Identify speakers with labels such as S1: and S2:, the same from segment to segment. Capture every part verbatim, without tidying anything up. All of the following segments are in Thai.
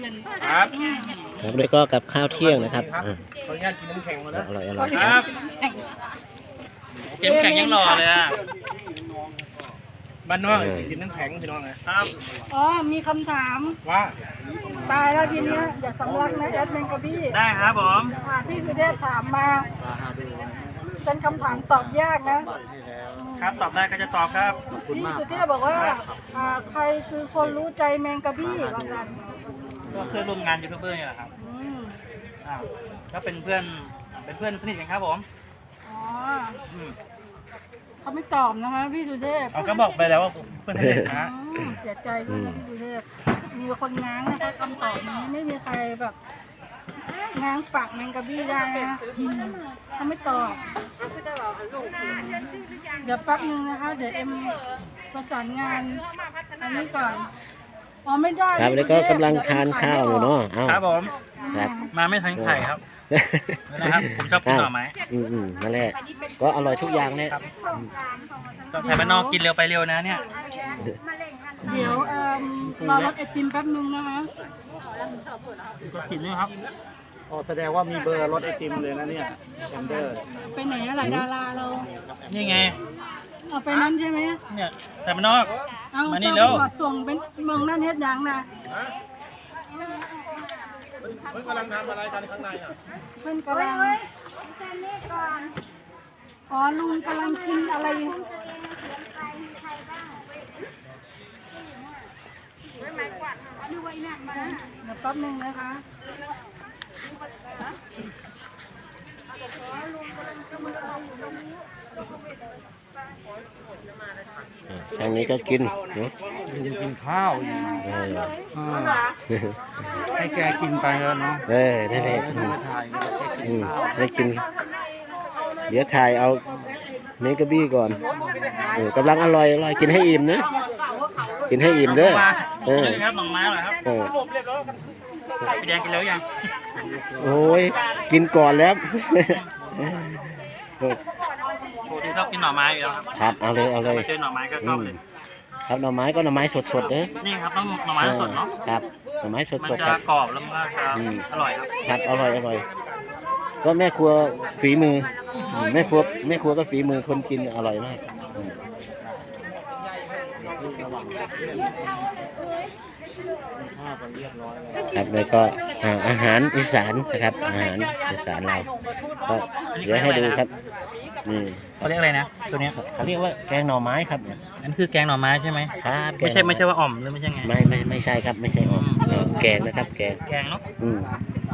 S1: ครับ
S2: ครับแล้วก็กับข้าวเที่ยงนะครับอ่า
S1: ขออนุญาตกินน้ำแข็งมานะ
S2: อร่อยอร่อย
S1: ค
S2: ค
S1: รั
S2: รั
S1: บบ เก็บแข็งยังรอเลยอ่ะบ้านนอกกินน้ำแข็งพี่น้องนะครับ
S3: อ๋อมีคำถาม
S1: ว่า
S3: ตายแล้วทีเนี้ยอย่าสำลักนะแอดเมนกับพี่
S1: ได้ครับผม
S3: อ่าพี่สุเทพถามมาเป็นคำถามตอบยากนะครับ
S1: ตอบได้ก็จะตอบครับ
S3: พี่สุเทพบอกว่าอ่าใครคือคนรู้ใจแมงกะบี้ว่ากัน
S1: ก็เพื่อนร่วมงานยูทูบเบอร์นี่แหละครับ
S3: อืม
S1: อ่าก็เป็นเพื่อนเป็นเพื่อนสนิทกันครับผม
S3: อ๋อ
S1: อืม
S3: เขาไม่ตอบนะคะพี่สุเทพ
S1: เขาก็บอกไปแล้วว่าเพื่อนสนิทนะ
S3: อืมเสียใจด้วยนะพี่สุเทพมีคนง้างนะคะคำตอบนี้ไม่มีใครแบบง้างปากแมงกะบี้ได้นะอืมเขาไม่ตอบเดี๋ยวแป๊บนึงนะคะเดี๋ยวเอ็มประสานงานอันนี้ก่อนอ๋อไม่ได้
S2: ครับแล้วก็กำลังทานข้าวอยู่เนาะเอ้า
S1: ครับผม
S2: ครับ
S1: มาไม่ทันไข่ครับนะครับผมชอบกินหน่อไม้
S2: อืมอืมนั่นแหละก็อร่อยทุกอย่างเลย
S1: ครับต้องไทยบ้านนอกกินเร็วไปเร็วนะเนี่ย
S3: เดี๋ยวเอ่อรอรถไอติมแป๊บนึงนะคะ
S1: ก็กินนี่ครับ
S4: อ๋อแสดงว่ามีเบอร์รถไอติมเลยนะเนี่ยแซมเดอร์
S3: ไปไหนอะล่ะดาราเรา
S1: นี่ไง
S3: เอาไปนั่นใช่ไหม
S1: เนี่ยไทยบ้านนอก
S3: เอา
S1: มานี่
S3: เจ้า
S1: เร็ว
S3: ไปกอดส่งเป็นเมืองนั่นเฮ็ดหยังนะ
S4: เฮ้ยกำลังทำอะไรกันข้างในอ่ะ
S3: เพื่อนกำลังอ๋อลุงกำลังกินอะไรเดี๋ยวแป๊บนึงนะคะ
S2: ทางนี้ก็กินเนาะ
S4: กินข้าวอยู่
S2: เออ
S4: ให้แกกินไปแล้วเนาะ
S2: เออนั่นแหละอืม
S4: ถ่าย
S2: อืมให้กิน เดี๋ยวถ่ายเอาเมกะบี้ก่อนเออกำลังอร่อยอร่อยกินให้อิ่มนะกินให้อิ่มเด้อ
S1: มา
S2: เออ
S1: นี่ครับหน่อไม้เหรอครับ
S2: เออ
S1: พี่แดงกินแล้วยัง
S2: โอ้ยกินก่อนแล้ว
S1: ปกติชอบกินหน่อไม้อยู่แล้วครับ
S2: ครับเอาเลยเอาเลย
S1: มาเจอหน่อไม้ก็ช
S2: อื
S1: อบ
S2: ม
S1: เลย
S2: ครับหน่อไม้ก็หน่อไม้สดๆเด้อ
S1: นี่ครับต้องหน่อไม้สดเนาะ
S2: ครับหน่อไม้ส
S1: มัน
S2: ดๆ
S1: จะ
S2: ครับ
S1: กรอบแล้วมันก็จะ
S2: อืม
S1: อร่อยครับ
S2: ครับอร่อยอร่อยก็แม่ครัวฝีมืออืมแม่ครัวแม่ครัวก็ฝีมือคนกินอร่อยมากอืมครับแล้วก็อ่าอาหารอีสานนะครับอาหารอีสานเราก็เดี๋ยวให้ดูครับนี่
S1: เขาเรียกอะไรนะตัวเนี้ย
S2: เขาเรียกว่าแกงหน่อไม้ครับ
S1: อันคือแกงหน่อไม้ใช่ไหม
S2: ครับ
S1: ไม่ใช่ไม่ใช่ว่าอ่อมหรือไม่ใช่ไง
S2: ไม่ไม่ไม่ใช่ครับไม่ใช่อ่อมเออแกงนะครับ แกง
S1: แกงเนาะ
S2: อืม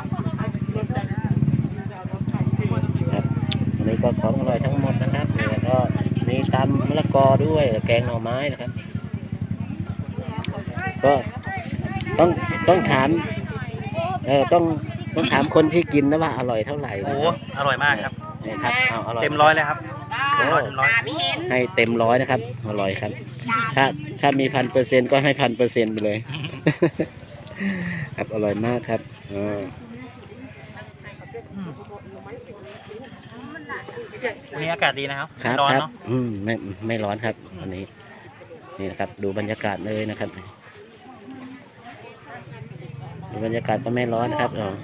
S2: ครับอันนี้ก็ของอร่อยทั้งหมดนะครับแล้วก็มีตำมะละกอด้วยแกงหน่อไม้นะครับ ก็ต้องต้องถามเออต้องต้องถามคนที่กินนะว่าอร่อยเท่าไหร่
S1: โอ้
S2: นะ
S1: โหอร่อยมากครับ
S2: นี่ครับเอาอร่อย
S1: เต็มร้อยเลยครับ
S2: โอ้
S1: ร้อยเต็มร้อย
S2: ให้เต็มร้อยนะครับอร่อยครับ ถ้าถ้ามีพันเปอร์เซ็นต์ก็ให้พันเปอร์เซ็นต์ไปเลย ครับอร่อยมากครับอ่า
S1: วันนี้อากาศดีนะครับ
S2: ครับ
S1: ร้อน
S2: ครับ
S1: เนาะ
S2: อืมไม่ไม่ร้อนครับวันนี้นี่นะครับ ดูบรรยากาศเลยนะครับดูบรรยากาศก็ไม่ร้อนนะครับอ๋อ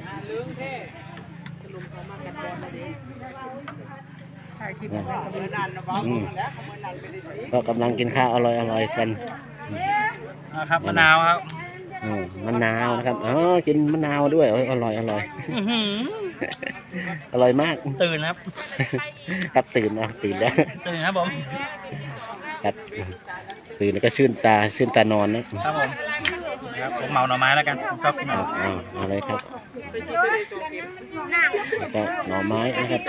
S2: อืมก็กำลังกินข้าวอร่อยอร่อยกัน
S1: อ่าครับมะนาวครับ
S2: อืมมะนาวนะครับอ๋อกินมะนาวด้วยโอ้ยอร่อยอร่อย
S1: อื้อหือ
S2: อร่อยมาก
S1: ตื่นครับ
S2: ครับตื่นนะตื่นแล้ว
S1: ตื่นครับผม
S2: ครับตื่นแล้วก็ชื่นตาชื่นตานอนนะครับ
S1: ผมครับผมเหมาหน่อไม้แล้วกันผมชอบกินห
S2: ค
S1: น่อ
S2: รับ
S1: ไม้
S2: เอาเอาเลยครับแล้วก็หน่อไม้นะครับ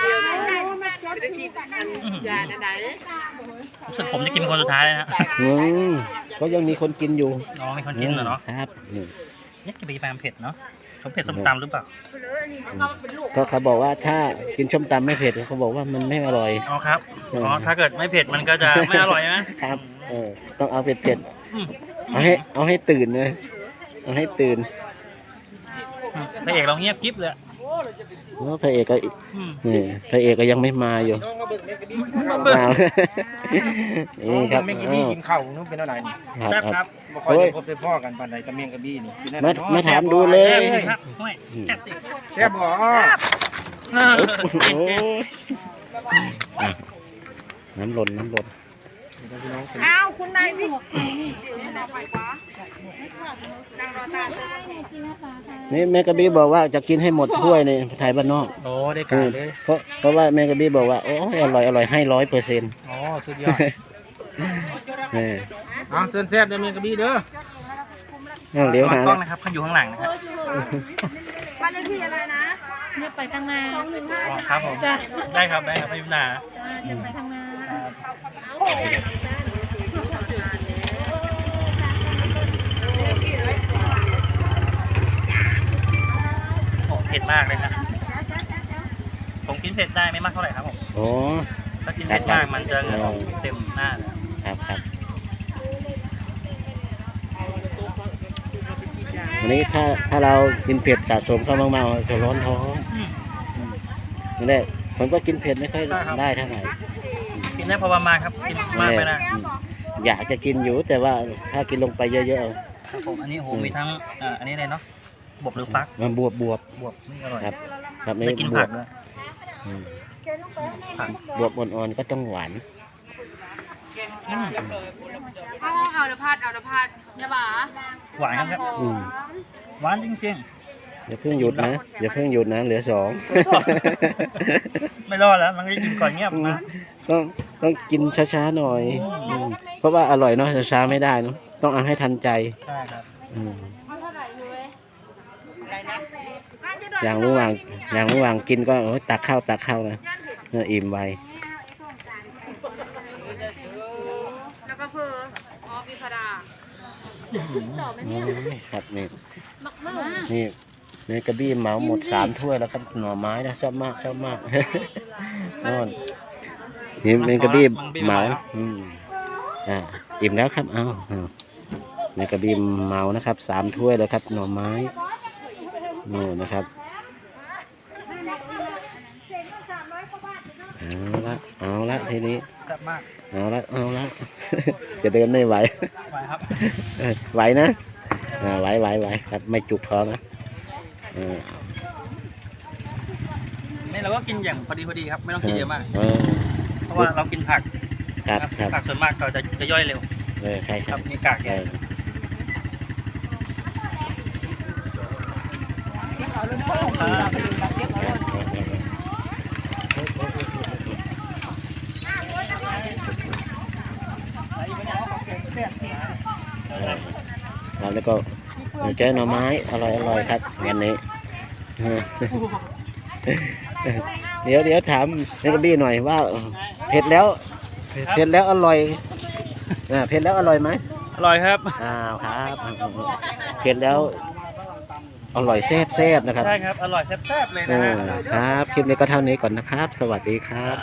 S1: รู้สึกผมจะกินเป็นคนสุดท้ายเลยนะ
S2: อืมก็ยังมีคนกินอยู่
S1: น้องมีคนกินเหรอเนาะ
S2: ครับอืม
S1: เนี่ยกินไปกินไปมันเผ็ดเนาะเขาเผ็ดส้มตำหรือเปล่า
S2: ก็เขาบอกว่าถ้ากินส้มตำไม่เผ็ดเขาบอกว่ามันไม่อร่อย
S1: อ๋อครับอ๋อถ้าเกิดไม่เผ็ดมันก็จะไม่อร่อยนะครับ
S2: เออต้องเอาเผ็ดเผ็ด
S1: อืม
S2: ๆเอาให้เอาให้ตื่นเลยเอาให้ตื่น
S1: พระเอกเราเงียบกิ๊บเลย
S2: เพราะพระเอกก็
S1: อืม
S2: นี่พระเอกก็ยังไม่มาอยู่
S1: มาเบิ่ง
S2: มานี่ครับ
S4: ไม่กินนี่กินข้าวนู้นเป็นอะไรนี่
S2: ครับ
S1: แซ่บ
S2: ค
S1: ค
S2: รั
S1: รั
S2: บบ
S1: บ่ค่อยได้พบได้พ่อกันปานใดกับเมียงกระบี้นี่กินได้
S2: มา
S1: เนะ
S2: มาถามดูเลย
S1: ครับห้วยแซ่บสิ
S4: แซ่บบ่
S1: เออ
S2: โอ้ยอ่ะน้ำหล่นน้ำหล่น
S3: อ้าวคุณนายพี่นั่งรอตา
S2: นี่แม่กระบี้บอกว่าจะกินให้หมดถ้วยในไทยบ้านนอก
S1: โอ้ได้การเลย
S2: เพราะเพราะว่าแม่กระบี้บอกว่าโอ้ยอร่อยอร่อยให้ร้อยเปอร์เซ็นต์
S1: อ๋อสุดยอดเอาเส้นแซ่บเด้อเมียงกระบี้เด้อ
S2: เดี๋ยวหา
S1: กล้องนะครับเขาอยู่ข้างหลังนะครับ
S3: บ้านเลขที่อะไรนะเนี่ยไปทางนาสองหนึ่งห้า
S1: อ๋อครับผมได้ครับได้ครับไม่มีปัญหา
S3: เนี่ยไปทางนา
S1: โอ้เผ็ดมากเลยนะผมกินเผ็ดได้ไม่มากเท่าไหร่ครับผม
S2: โอ้
S1: ถ้ากินเผ็ดมากมันจะเหงื่อออกเต็มหน้าเลย
S2: ครับครับวันนี้ถ้าถ้าเรากินเผ็ดสะสมเข้ามากๆจะร้อนท้องนั่นแหละผมก็กินเผ็ดไม่ค่อยได้เท่าไหร่
S1: กินได้พอประมาณครับกินมากไปนะ
S2: อืมอยากจะกินอยู่แต่ว่าถ้ากินลงไปเยอะ
S1: ครับผมอันนี้โหมีทั้งเอ่ออันนี้เลยเนาะบวบหรือฟัก
S2: ๆมันบวบบวบบ
S1: วบนี่อร่อย
S2: ครับครับนี่
S1: ได้กิน
S2: บ
S1: ผั
S2: ว
S1: ก
S2: บ
S1: ด้วย
S2: อืม
S1: ผัก
S2: บวบอ่อนๆก็ต้องหวาน
S1: อืม
S3: เอาเอาเดี๋ยวพัดเอาเดี๋ยวพัดอย่าบ่า
S1: หวานครับ
S2: อืม
S1: หวานจริง
S2: อย่าเพิ่งหยุดนะอย่าเพิ่งหยุดนะเหลือสอง
S1: ๆ ไม่รอดแล้วมันก็กินก่อนเงียบนะ
S2: ต้องต้องกินช้าๆหน่อยอืมเพราะว่าอร่อยเนาะช้าๆไม่ได้เนาะต้องเอาให้ทันใจ
S1: ใช่ครับ
S2: อืม
S3: เอาเท่าไหร่อยู่เว้ย
S2: อย่างระหว่างอย่างระหว่างกินก็โอ้ยตักข้าวตักข้าวนะเอออิ่มไว
S3: แล้วก็เพื่ออ๋อพิพดา
S2: โอ้ยครับนี่นี่ในกระบี้เหมาหมดสามถ้วยแล้วครับหน่อไม้นะชอบมากชอบมากนอนนี่ในกระบี้เหมาอืมอ่าอิ่มแล้วครับเอาเอาในกระบี้เหมานะครับสามถ้วยแล้วครับหน่อไม้โน่นนะครับเอาละเอาละทีนี้
S1: แซ่บมาก
S2: เอาละเอาละ จะเดินไม่ไหว
S1: ไหวครับ
S2: เออไหวนะอ่าไหวไหวไหวครับไม่จุกท้องนะเออ
S1: นี่เราก็กินอย่างพอดีพอดีครับไม่ต้องกินเยอะมาก
S2: เออ
S1: เพราะว่าเรากินผัก
S2: ครับครับ
S1: ผักส่วนมากเราจะจะย่อยเร็ว
S2: เออใช่
S1: ค
S2: ค
S1: รั
S2: รั
S1: บบ มีกาก
S2: เอ
S1: แก่
S2: อเออแล้วก็เจอหน่อไม้อร่อยอร่อยครับงานนี้เออเดี๋ยวเดี๋ยวถามเนกบี้หน่อยว่าเผ็ดแล้วเผ็ดแล้วอร่อยอ่าเผ็ดแล้วอร่อยไหม
S1: อร่อยครับ
S2: อ้าวครับเผ็ดแล้วอร่อยแซ่บแซ่บนะครับ
S1: ใช่ครับอร่อยแซ่บๆเลย
S2: เอ
S1: นะ
S2: อ
S1: ฮะ
S2: ครับคลิปนี้ก็เท่านี้ก่อนนะครับ สวัสดีครับ